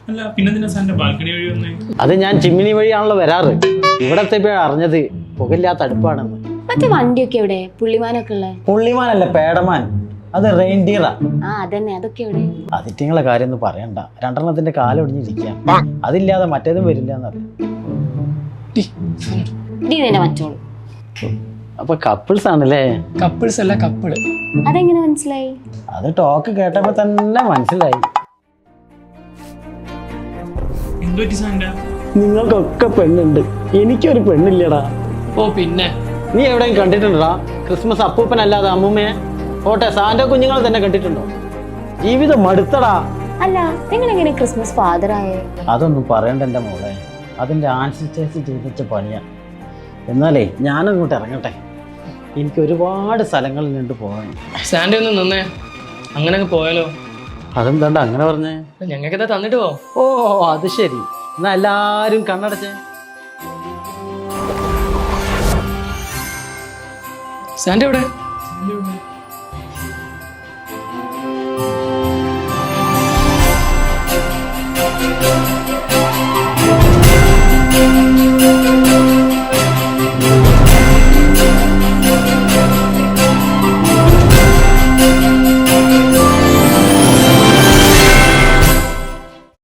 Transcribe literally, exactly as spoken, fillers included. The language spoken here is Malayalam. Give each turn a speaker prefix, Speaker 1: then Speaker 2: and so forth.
Speaker 1: അല്ല പിന്നെ സാറിന്റെ ബാൽക്കണി വഴി വന്നേ?
Speaker 2: അത് ഞാൻ ചിമ്മിനി വഴിയാണല്ലോ വരാറ്. ഇവിടത്തെ അറിഞ്ഞത് പുകയില്ലാത്ത അടുപ്പാണെന്ന്.
Speaker 3: മറ്റേ വണ്ടിയൊക്കെ എവിടെ? പുള്ളിമാനൊക്കെ ഉള്ള?
Speaker 2: പുള്ളിമാനല്ല, പേടമാൻ. അത് റെയിൻഡിയറാ.
Speaker 3: ആ അതന്നെ, അതൊക്കെ എവിടെ?
Speaker 2: അതിറ്റിങ്ങളെ കാര്യം ഒന്നും പറയണ്ട. രണ്ടെണ്ണത്തിന്റെ കാലൊടിഞ്ഞിരിക്കുക. അതില്ലാതെ മറ്റേതും വരില്ല എന്നറിയാം.
Speaker 3: മറ്റോളൂ.
Speaker 2: അപ്പൊ കപ്പിൾസ് ആണല്ലേ?
Speaker 4: കപ്പിൾസ് അല്ല, കപ്പിള്.
Speaker 3: അതെങ്ങനെ മനസ്സിലായി?
Speaker 2: അത് ടോക്ക് കേട്ടപ്പോ തന്നെ മനസ്സിലായി.
Speaker 1: എന്തുപറ്റി സാറിന്റെ?
Speaker 2: നിങ്ങൾക്കൊക്കെ പെണ്ണുണ്ട്, എനിക്കൊരു പെണ്ണില്ലടാ.
Speaker 4: ഓ പിന്നെ
Speaker 2: നീ എവിടെയും കണ്ടിട്ടുണ്ടോ ക്രിസ്മസ് അപ്പൂപ്പനല്ലാതെ അമ്മൂമ്മയെ? ഓട്ടെ, സാന്റോ കുഞ്ഞുങ്ങൾ തന്നെ കണ്ടിട്ടുണ്ടോ? ജീവിതം മടുത്തടാ.
Speaker 3: അല്ല, നിങ്ങൾ എങ്ങനെ ക്രിസ്മസ് ഫാദർ ആയേ?
Speaker 2: അതൊന്നും പറയണ്ട എൻ്റെ മോളെ, അതിൻ്റെ ആൻസിസ്റ്റേഴ്സ് ചെയ്തിച്ച പണിയാ. എന്നാലേ ഞാനങ്ങോട്ട് ഇറങ്ങട്ടെ, എനിക്ക് ഒരുപാട് സ്ഥലങ്ങളിൽ നിന്ന് പോകാൻ.
Speaker 4: സാൻഡേ ഒന്ന് നിന്നേ, അങ്ങനെ അങ്ങ് പോയാലോ?
Speaker 2: അതെന്താണ്ട് അങ്ങനെ പറഞ്ഞേ?
Speaker 4: ഞങ്ങൾക്ക് എന്താ തന്നിട്ട് പോ.
Speaker 2: ഓ അത് ശരി, എന്നാ എല്ലാരും കണ്ണടച്ചേ.
Speaker 4: സാൻഡേ എവിടെ?
Speaker 1: സാറിന്റെ